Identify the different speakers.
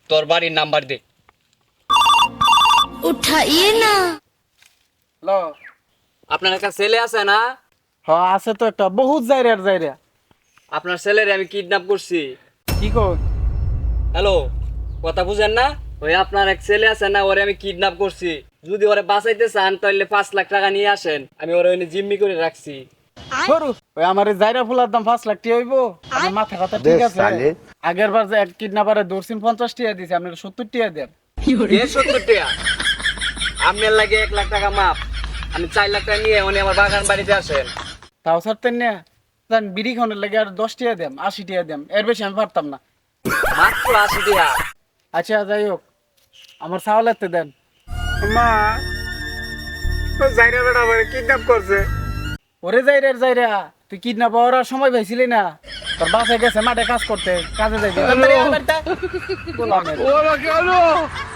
Speaker 1: তোর বাড়ির নাম্বার দে।
Speaker 2: उठाइए ना।
Speaker 3: হ্যালো।
Speaker 1: আপনার একটা ছেলে আছে না?
Speaker 3: হ্যাঁ আছে তো একটা বহুত যাইরা
Speaker 1: আপনার ছেলেরে আমি কিডন্যাপ করছি।
Speaker 3: কি কর?
Speaker 1: হ্যালো, কথা বুঝেন না? ওই আপনার এক ছেলে আছে না, ওরে আমি কিডন্যাপ করছি। যদি ওরে বাঁচাইতে চান তাহলে 5 লাখ টাকা নিয়ে আসেন। আমি ওরে ওইনে জিম্মি করে রাখছি।
Speaker 3: সরু ওই আমার এই যাইরা ফুলার দাম 5 লাখ টাকা হইব। আমার মাথা কথা ঠিক আছে। আগের বার যে এক কিডন্যাপারে ধরছিন 50 টাকা দিছে, আপনি 70 টাকা দেন।
Speaker 1: কে 70 টাকা? আপনার লাগে 1 লাখ টাকা মাপ। আমি 4 লাখ টাকা নিয়ে উনি আমার বাগান বাড়িতে আসেন।
Speaker 3: তাও ছাড়তেন না? জান বিড়ি খাওয়ানোর লাগে আর 10 টাকা দেন, 80 টাকা দেন, এর বেশি আমি পারতাম না।
Speaker 1: মাত্র 80 টাকা।
Speaker 3: আচ্ছা যাই হোক, আমার চাওয়ালেতে দেন। মা ও যাইরা বেটা আমারে কিডন্যাপ করছে। ওরে যাইরা তুই কিডন্যাপ হওয়ার আর সময় পাইছিলি না? তোর বাসায় গেছে মাঠে কাজ করতে, কাজে যাইবি।